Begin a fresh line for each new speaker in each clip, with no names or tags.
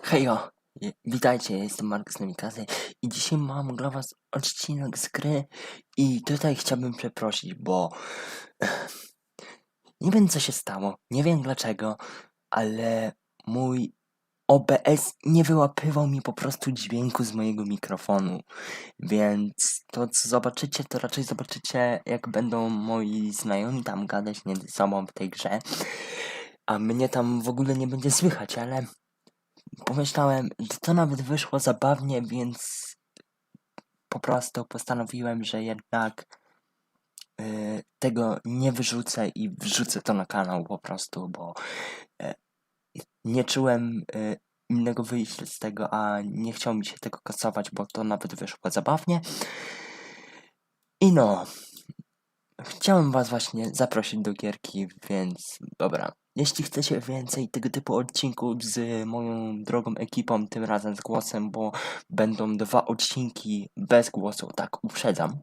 Hejo, witajcie, jestem Mark z Namikazy i dzisiaj mam dla was odcinek z gry i tutaj chciałbym przeprosić, bo nie wiem co się stało, nie wiem dlaczego, ale mój OBS nie wyłapywał mi po prostu dźwięku z mojego mikrofonu, więc to co zobaczycie, to raczej zobaczycie jak będą moi znajomi tam gadać między sobą w tej grze, a mnie tam w ogóle nie będzie słychać, ale pomyślałem, że to nawet wyszło zabawnie, więc po prostu postanowiłem, że jednak tego nie wyrzucę i wrzucę to na kanał po prostu, bo nie czułem innego wyjścia z tego, a nie chciał mi się tego kasować, bo to nawet wyszło zabawnie. I no, chciałem was właśnie zaprosić do gierki, więc dobra. Jeśli chcecie więcej tego typu odcinków z moją drogą ekipą, tym razem z głosem, bo będą 2 odcinki bez głosu, tak uprzedzam.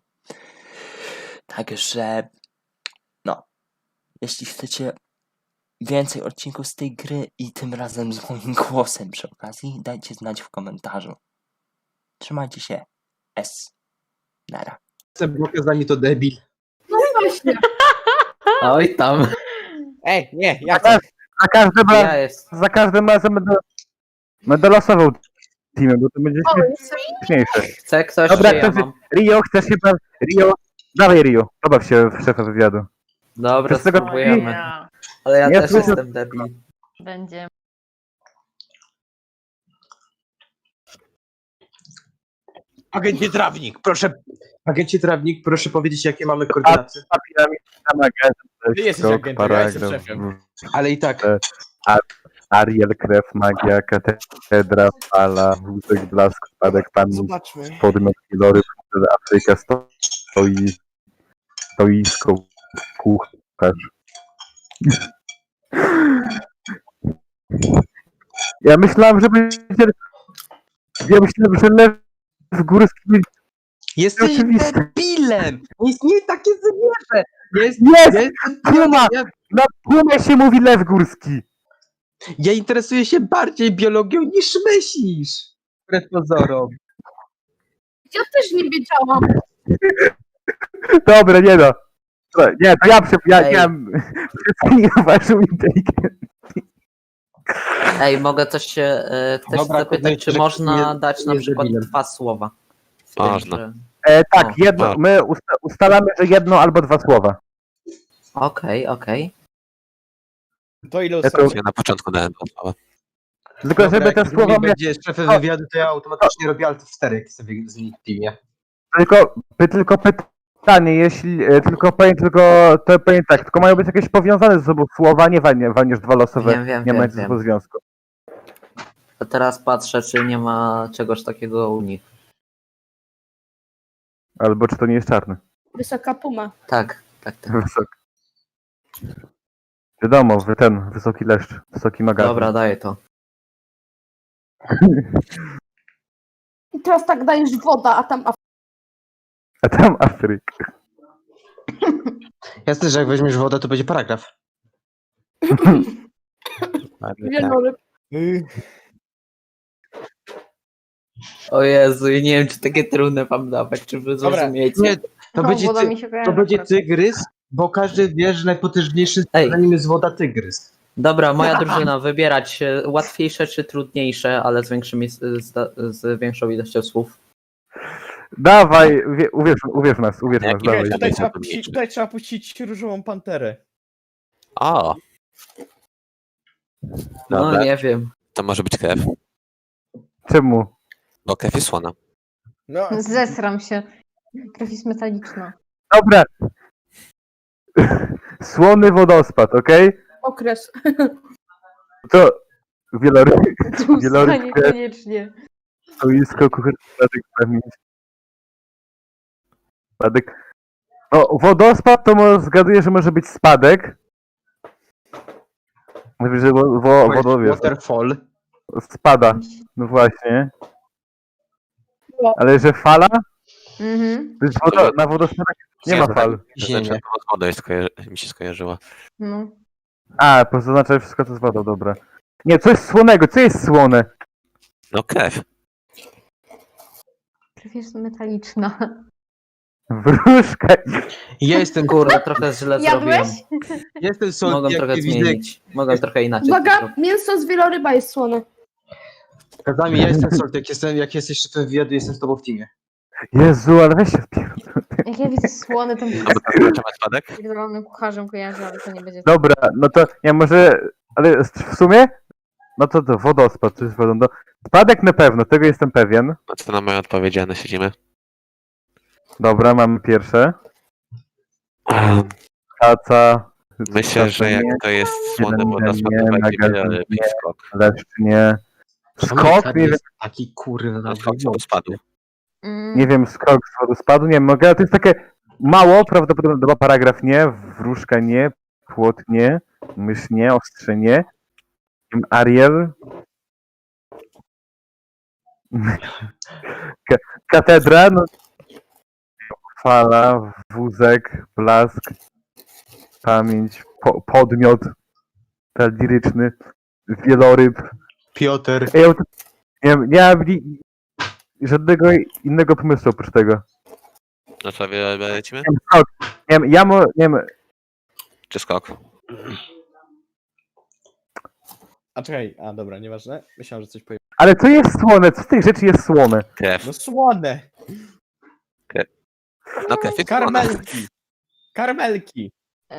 Także, no, jeśli chcecie więcej odcinków z tej gry i tym razem z moim głosem przy okazji, dajcie znać w komentarzu. Trzymajcie się. S. Nara.
Blokę zanim to debil.
No właśnie.
Oj tam,
Ej, nie, ja
Za,
chcę.
za każdym razem będę losował teamy, bo to będzie
O, jest
śmieszniejsze.
chce ktoś,
Dobra,
czy ja
ktoś,
mam?
Rio, chcesz się Rio, dawaj Rio, pobaw się w szefa wywiadu.
Dobra,
z tego-
spróbujemy. Ale ja
Nie
też
słyszę-
jestem debil.
Będzie.
Agencie Trawnik, proszę powiedzieć, jakie mamy koordynacje.
A piramid na magazyn,
Ty jesteś agentem, ja jestem szefem.
Ale i tak,
Ariel, krew, magia, katedra, fala, wózek, blask, spadek, pan,
Zobaczmy.
podmiot, Lory, Afryka, stoisko, kucharz. Ja myślałem, że będzie... Ja myślałem, że Lew Górski...
jesteś
Oczywiście.
debilem! Nie istnieje takie zwierzę!
Jest!
Ja jestem
Puma!
ja,
Na Pumie się mówi Lew Górski!
ja interesuję się bardziej biologią niż myślisz! Wbrew pozorom.
Ja też nie wiedziałam.
Dobra, nie no. Dobra, nie, to ja
Ej.
przecenię waszą inteligencję.
Ej, mogę coś się ktoś
Dobra,
zapytać,
kurde,
czy
że
można
nie-
dać na
nie
przykład
debilem.
2 słowa?
Można.
Tak,
O,
jedno, my ustalamy, że jedno albo 2 słowa.
Okej.
To ile
Jako-
ustawicie?
Ja na początku dałem 2 słowa.
Tylko
Dobra,
żeby te
jak
słowa
drugi
miały...
będzie szefem wywiadu, to ja automatycznie robię alt 4, jak sobie z nim w teamie.
Tylko pytanie, jeśli tylko powiem tak, tylko mają być jakieś powiązane ze sobą słowa, nie walniesz 2 losowe,
Wiem,
nie ma
wiem,
ze sobą związku.
To teraz patrzę, czy nie ma czegoś takiego u nich.
Albo czy to nie jest czarny.
Wysoka puma.
Tak.
Wysoki. Wiadomo, wysoki leszcz, wysoki magazyn.
Dobra, daję to.
I teraz tak dajesz woda, a tam
A tam Afryka.
Jasne, że jak weźmiesz wodę, to będzie paragraf.
wieloryb.
O Jezu, ja nie wiem, czy takie trudne wam dawać, czy wy
Dobra,
zrozumiecie.
Nie, to będzie,
woda mi się kojarzy
to będzie
akurat.
tygrys, bo każdy wie, że najpotężniejszy
Ej.
zanim jest woda tygrys.
Dobra, moja drużyna, wybierać łatwiejsze czy trudniejsze, ale z większą ilością słów.
Dawaj, uwierz w nas,
Jaki
dawaj.
wiesz?
Tutaj trzeba puścić różową panterę.
O,
No
dobra.
nie wiem.
To może być krew,
Czemu?
bo krew jest słona.
No,
Zesram się. Krew jest metaliczna.
Dobra. Słony wodospad, okej?
Okres.
To wieloryb, Wieloryb,
Niekoniecznie.
stoisko, kucharz, spadek, pamięć. Spadek. No, wodospad to zgaduję, że może być spadek. Mówię, że wodowiec
Waterfall.
spada. No właśnie.
No.
Ale że fala?
Mhm.
To jest na wodospadach nie ma fal.
Ziemię.
Znaczy, z wodą mi się skojarzyła.
No.
A, po prostu oznacza, że wszystko to z wodą, dobra. Nie, coś słonego, co jest słone?
No krew.
Krew jest metaliczna.
Wróżka.
Ja jestem
Kurde, trochę źle zrobiłem.
Jadłeś?
Jestem solty,
Mogę
jak
trochę
nie widzę.
zmienić. Mogę trochę inaczej.
Uwaga, mięso z wieloryba jest słone.
Kazami, ja jestem solty, jak jesteś szefem wywiadu, jestem z tobą w teamie.
Jezu, ale weź się wpierdol.
Jak ja widzę słone, to mi się
A bo to zobaczymy spadek?
z pierdolonym kucharzem kojarzy, ale to nie będzie.
Dobra, no to ja może, ale w sumie, no to wodospad, czy z wodą, no, spadek na pewno, tego jestem pewien.
No co na moje odpowiedziane siedzimy?
Dobra, mamy pierwsze.
Um,
Kaca,
Myślę, że jak to jest słone wodospad, to będzie wiele lepiej skok.
leszcz nie. Skok, nie wiem,
Taki kurwa.
No skok co spadł.
nie wiem, skok z wodospadu, nie wiem, mogę, ale to jest takie mało, prawdopodobnie chyba paragraf nie, wróżka nie, płot nie, mysz nie, ostrze nie, Ariel, katedra, no, fala, wózek, blask, pamięć, podmiot, liryczny, wieloryb.
Piotr.
Nie mam żadnego innego pomysłu oprócz tego.
No co, wiele lecimy?
Nie wiem, skok. Nie wiem, nie wiem,
Czy skok?
A czekaj, dobra, nieważne. Myślałem, że coś powiem.
ale co jest słone? Co z tej rzeczy jest słone?
Krew.
No słone!
No krew jest słona.
Karmelki! Karmelki!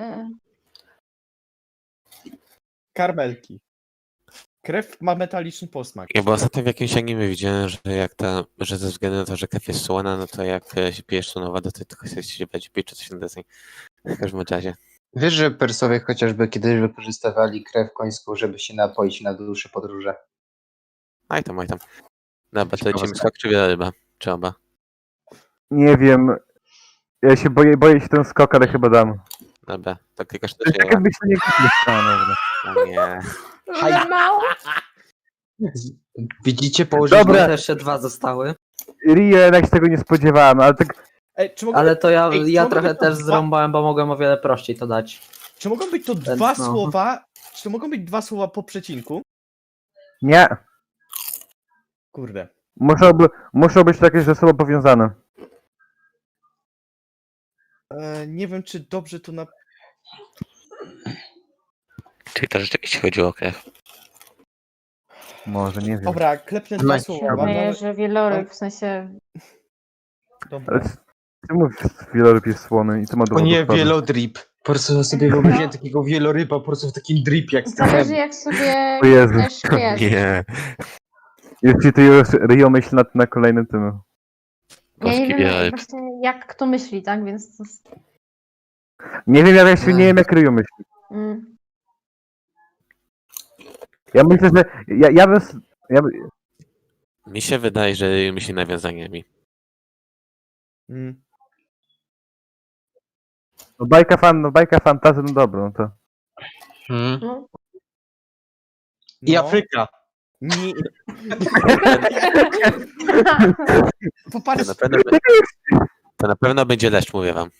Karmelki. Krew ma metaliczny posmak.
Ja bo ostatnio w jakimś anime widziałem, że ze względu na to, że krew jest słona, no to jak się pijesz słoną wodę, to tylko chcesz się pić czy coś na deseń. W każdym razie.
Wiesz, że Persowie chociażby kiedyś wykorzystywali krew końską, żeby się napoić na dłuższe podróże.
Aj tam. Dobra, to lecimy skok czy wieloryba? Czy oba?
Nie wiem. Ja się boję się ten skok, ale chyba dam.
Dobra, to klikasz
To
do
jest
siebie.
takie myślenie dobra.
O nie.
Ale mało.
Widzicie, położyłem...
Dobra.
Też jeszcze 2 zostały.
Rio, jednak się tego nie spodziewałem, ale tak
Ej, czy mogą,
Ale to ja
Ej,
ja
mogą
trochę
być to
też
dwa-
zrąbałem, bo mogłem o wiele prościej to dać.
czy mogą być to
Więc
dwa
no.
słowa? Czy to mogą być dwa słowa po przecinku?
nie.
Kurde.
Muszą być takie ze sobą powiązane.
Nie wiem, czy dobrze to na...
Czyli to rzeczywiście chodziło o krew.
Może, nie wiem.
Dobra, klepnę dwa
Macie.
słowa.
Wydaje, że wieloryb, w sensie...
Dobra.
Ale ty mówisz, że wieloryb jest słony i to ma do
O nie,
wodospadu.
wielodrip. Po prostu sobie wyobraziłem takiego wieloryba po prostu w takim dripie, jak
Zależy jak sobie
O Jezu.
też jest.
Nie.
Jeśli ty już Rio myśli na kolejnym tym.
Ja
Polski
nie wiem
wieloryb.
właśnie jak kto myśli, tak? Więc to jest...
Nie wiem, ja się nie wiem, jak Rio myśli. Ja myślę, że
Mi się wydaje, że myśli nawiązaniami.
no, bajka fantazy, no dobra, no to.
No.
I
No.
Afryka.
Nie.
To
Popatrz,
na pewno, to na pewno będzie leszcz, mówię wam.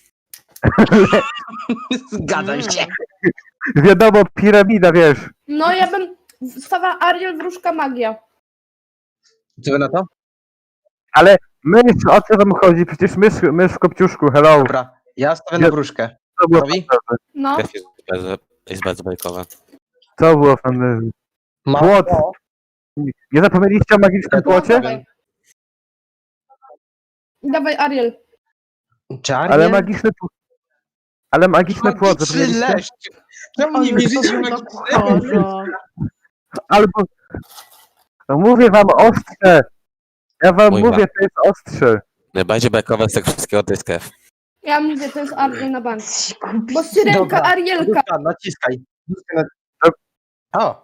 Zgadzam się.
Wiadomo, piramida, wiesz.
No ja bym stawiała Ariel, wróżka, magia.
Co wy na to?
Ale mysz, o co wam chodzi? Przecież mysz w kopciuszku, hello.
Dobra, ja stawię na wróżkę.
Co było,
Robi?
No.
Krew jest bardzo bajkowa.
co było fantasy? Płot. Nie zapomnieliście o magicznym płocie?
Dawaj. Dawaj Ariel.
Czarnie?
Ale magiczny płot,
Magiczny
zapomnieliście?
leszcz. Czemu nie wierzycie w magicznego?
Albo... No mówię wam ostrze. Ja wam
Mój
mówię, to jest ostrze.
Najbardziej bajkowa z tego wszystkiego to jest krew.
Ja mówię, to jest Ariel na bank. Bo syrenka,
Dobra.
Arielka.
Dobra, naciskaj. O,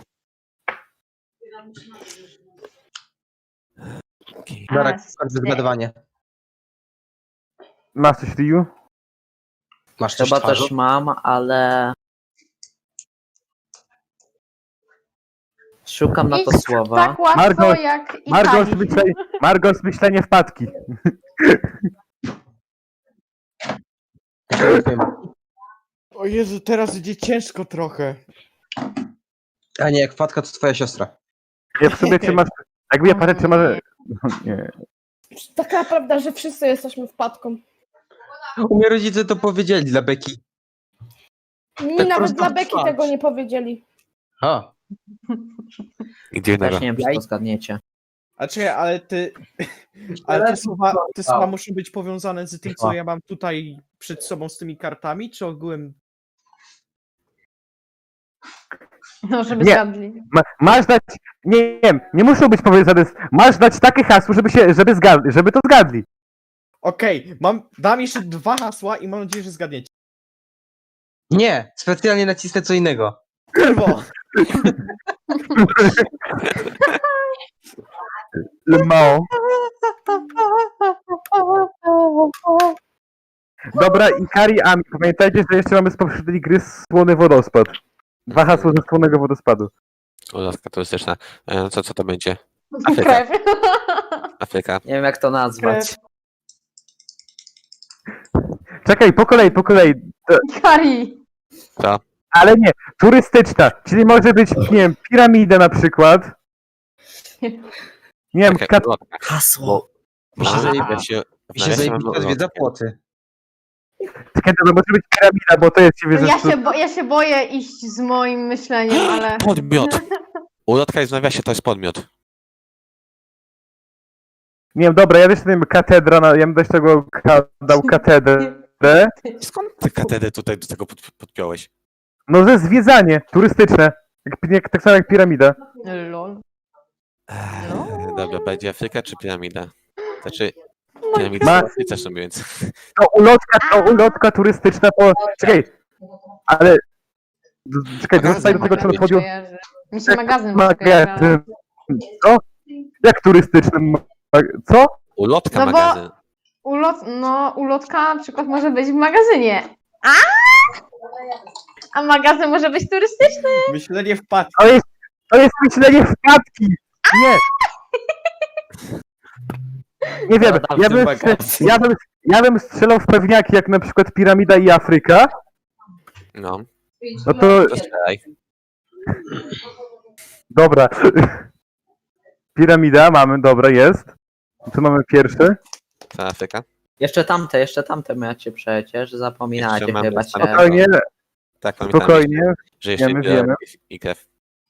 dobra, kończę zgadywanie.
Masz coś, Ryu?
Masz coś
Chyba
twarzą?
też mam, ale... Szukam na to
Nic
słowa.
tak łatwo
Margot,
jak
Margos myślenie wpadki.
o Jezu, teraz idzie ciężko trochę.
A nie, jak wpadka to twoja siostra.
Ja w sobie Jakby ja patrzę, czy może... Nie.
Taka prawda, że wszyscy jesteśmy wpadką.
U mnie rodzice to powiedzieli dla Beki.
Mi
Tak
nawet
prosto
dla
w
Beki
twarz.
tego nie powiedzieli.
A.
Gdzie innego.
Też nie wiem, czy to zgadniecie.
A czekaj, ale ty... Ale te słowa muszą być powiązane z tym, co ja mam tutaj przed sobą z tymi kartami, czy ogółem...
No, żeby
Nie.
zgadli.
Masz dać... Nie wiem, nie muszą być powiązane z... Masz dać takie hasło, żeby to zgadli.
Okej, dam jeszcze 2 hasła i mam nadzieję, że zgadniecie.
Nie, specjalnie nacisnę co innego.
Kurwo!
Mało. Dobra, Ikari Ami. Pamiętajcie, że jeszcze mamy z poprzedniej gry Słony Wodospad. 2 hasła ze Słonego Wodospadu.
Ulotka turystyczna. Co to będzie? Afryka.
Krew.
Afryka.
Nie wiem, jak to nazwać.
Czekaj, po kolei.
Kari.
Co?
Ale nie, turystyczna. Czyli może być, nie wiem, piramida na przykład. Nie wiem,
Czekaj, ulotka.
Hasło.
Może
zajebi-
nawiasie
Mi się
nawiasie mamy
zajebista zwiedza
ulotkę.
płoty.
czekaj, to może być piramida, bo to jest, się wiesz,
Ja się boję iść z moim myśleniem, ale...
Podmiot. Ulotka jest w nawiasie, to jest podmiot.
Nie wiem, dobra, ja też nie wiem, katedra, ja bym też tego dał katedrę.
Skąd ty katedrę tutaj do tego podpiąłeś?
No, że zwiedzanie turystyczne. Tak samo jak piramida.
Lol.
Dobra, będzie Afryka czy piramida? Znaczy,
No
piramida
Ma-
w Afryce są, więc...
To ulotka turystyczna, czekaj, ale... Czekaj, wracaj do tego, co
Magazyn
chodziło...
kojarzy. Mi się magazyn może
Magazyn. Co? Jak turystyczny? Co?
Ulotka
No bo-
magazyn.
Ulotka na przykład może być w magazynie. A magazyn może być turystyczny.
Myślenie wpadki.
To jest myślenie wpadki! Nie! Nie wiem,
No,
ja bym, ja bym strzelał w pewniaki, jak na przykład piramida i Afryka.
No,
No to...
to strzelaj.
Dobra. Piramida mamy, dobra, jest. Co mamy pierwszy?
To Afryka.
Jeszcze tamte macie przecież, zapominacie
Jeszcze mamy
chyba
tam-
się.
Spokojnie,
Tak, pamiętam,
spokojnie.
że jeszcze
wiemy,
biorę
wiemy.
i krew.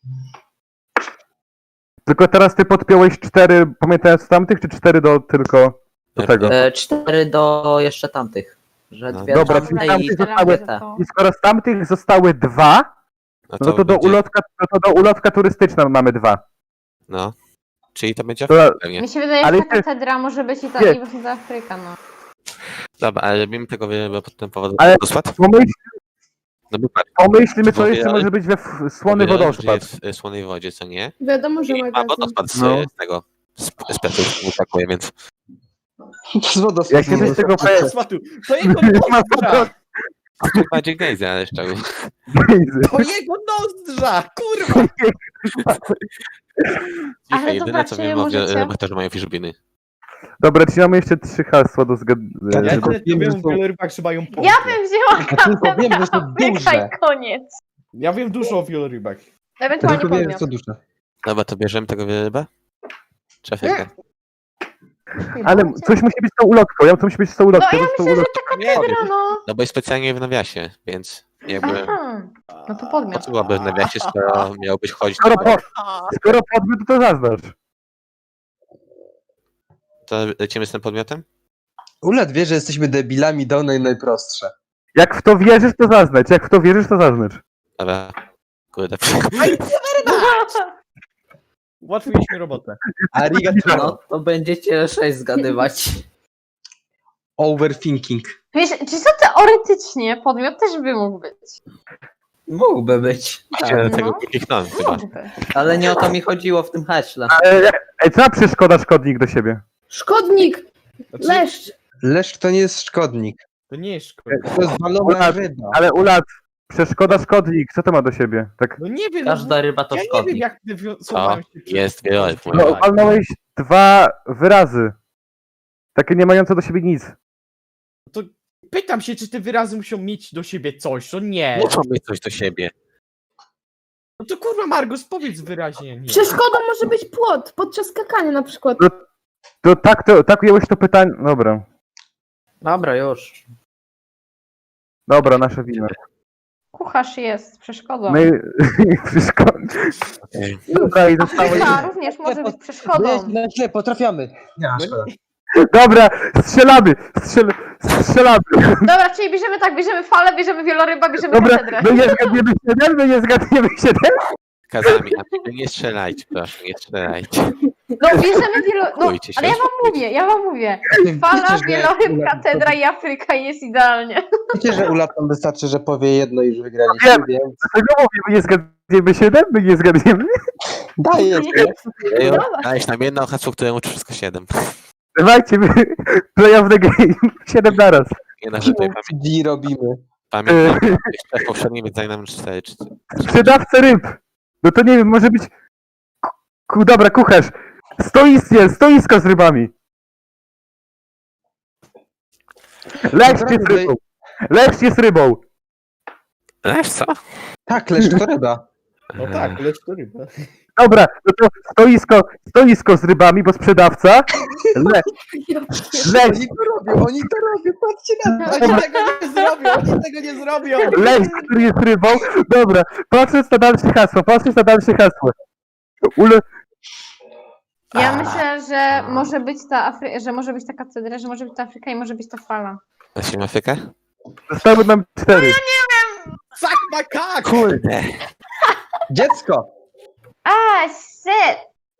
Tylko teraz ty podpiąłeś 4, pamiętając z tamtych, czy 4 do tylko do tego?
4 do jeszcze tamtych. Że
No,
2
dobra,
tamte
czyli
i
tamtych
te.
zostały-
te.
I skoro z tamtych zostały 2,
No
no to do ulotka turystyczna mamy 2.
No. Czyli to będzie
To-
Afryka pewnie.
Mi się wydaje,
Ale
że ta
ty-
katedra może być i ta
Nie.
i właśnie ta Afryka, no.
Dobra, ale robimy tego wiele pod tym powodem.
Ale-
Wodospad? No bo patrz,
Pomyślmy, co
Mówię,
jeszcze
ale-
może być Słony
powiedziałem, że
Wodospad.
jest w Słonej Wodzie, co nie?
Wiadomo, że
I ma
magazyn.
wodospad
No.
z tego, z Piotrów, brakuje, więc...
Z wodospadu.
Jak się coś tego
Smatu, to jego
Ma
nozdrza!
A to bardziej Gejzy, ale szczerze.
To jego nozdrza! Kurwa!
Ale
Dzisiaj jedyne,
dobra,
co
czy
wiem o
możecie-
wielorybach, to, że mają fiszbiny.
Dobra, czyli mamy jeszcze 3 hasła do
Ja
zgadnięcia.
tylko
jedyne, co
wiem,
wiem
że
o
są-
wielorybach, że mają pompę.
Ja bym wzięła
Ja tylko
kapę
wiem, że są
Afryka
duże.
i koniec.
Ja wiem dużo o wielorybach.
Ja
Ewentualnie
tylko wiem,
podmiot.
co dusza.
Dobra, to bierzemy tego wieloryba? Czy Afrykę?
Ale coś musi być z tą ulotką, to musi być z tą ulotką.
No ja
z tą
myślę, że
ulotką.
ta katedra, no.
No bo jest specjalnie w nawiasie, więc jakby...
Aha. No to
Po
podmiot.
co byłaby w nawiasie, skoro miałbyś chodzić...
Skoro podmiot, to zaznacz.
To lecimy z tym podmiotem?
Ulet wie, że jesteśmy debilami, dał najprostsze.
Jak w to wierzysz, to zaznacz. Jak w to wierzysz, to zaznacz.
Dobra. Kurde.
Ułatwiliśmy robotę.
Arigato.
No to będziecie 6 zgadywać.
Overthinking.
Wiesz, czy to teoretycznie podmiot też by mógł być?
Mógłby być.
Chciałem
no.
tego kliknąłem chyba.
Mógłby.
Ale nie o to mi chodziło w tym haśle.
Ej, co ma przeszkoda szkodnik do siebie?
Szkodnik!
Znaczy,
Leszcz!
Leszcz to nie jest szkodnik.
to nie jest szkoda.
To jest balona ryba.
Ale Ulat, przeszkoda szkodnik, co to ma do siebie? Tak,
No nie wiem,
Każda ryba to
ja nie wiem
szkodnik.
jak te
Co?
słowa się
Jest wieloryb.
No,
no walnąłeś 2 wyrazy. Takie nie mające do siebie nic.
To pytam się, czy te wyrazy muszą mieć do siebie coś, to nie.
Muszą mieć coś do siebie.
No to kurwa, Margus, powiedz wyraźnie. Nie.
Przeszkodą może być płot podczas skakania na przykład.
Tak ująłeś to pytanie. Dobra.
Dobra, już.
Dobra, nasza wina.
Kucharz jest przeszkodą.
My... Wszystko.
Okej.
Dobra, i zostało...
Afryka również może być przeszkodą.
Źle, potrafiamy. Nie, szkoda.
Dobra, strzelamy! Strzelamy!
Dobra, czyli bierzemy falę, bierzemy wieloryba, bierzemy
Dobra,
katedrę.
my nie zgadniemy 7, my nie zgadniemy 7.
Kazami, a nie strzelajcie, proszę, nie strzelajcie.
No bierzemy wieloryba, no,
Bójcie się,
ale ja wam mówię. Fala,
Wiecie, że
wieloryb,
ulat-
katedra i Afryka jest idealnie.
Wiecie, że ulatom wystarczy, że powie jedno i już wygraliście,
Wiem.
więc
Dlaczego mówię, my nie zgadniemy 7, my nie zgadniemy?
daję.
Dajesz nam jedno hasło, które uczy wszystko 7.
Dawajcie, my play of the game. 7 naraz.
Nie na rzeczy,
D robimy.
pamiętam, jeszcze poprzednimi zdaje nam 4 czy...
Sprzedawca ryb. No to nie wiem, może być... Dobra, kucharz. Stoisko z rybami. Leszcz jest rybą. Leszcz jest rybą.
Wiesz co?
Tak, leszcz to ryba.
No tak, lecz to ryba.
Dobra, no to stoisko z rybami, bo sprzedawca. Leszcz,
Oni to robią, patrzcie na to.
Oni tego nie zrobią, oni tego nie zrobią.
Leszcz, który jest rybą. Dobra, patrząc na dalsze hasło.
Ja myślę, że może być że może być ta katedra, że może być ta Afryka i może być ta fala.
Lecimy Afrykę?
Zostały nam 4.
Suck my cock!
Kurde.
Dziecko!
Shit!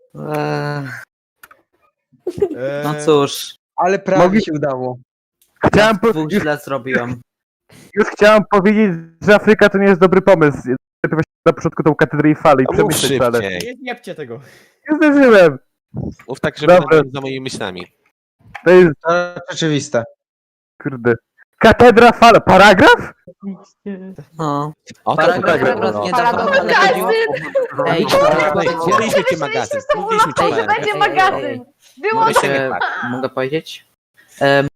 No cóż,
Ale prawie
Mogli-
się udało.
Chciałem
dwóch źle zrobiłem.
już chciałem powiedzieć, że Afryka to nie jest dobry pomysł. Lepiej właśnie na początku tą katedrę i falę i
No mów
przemyśleć, ale
szybciej.
Nie zjebcie tego.
nie zdążyłem.
Mów tak, żeby
Dobra.
za moimi myślami.
To jest,
To rzeczywiste.
kurde. Katedra, fala, paragraf?
No.
O,
Paragraf
tak,
akurat
no.
nie
Fala
dawał,
do
ale
magazyn!
chodziło... Ej,
Mówiliśmy ci magazyn. Mówiliśmy ci
To
magazyn.
będzie magazyn! Było
mogę powiedzieć?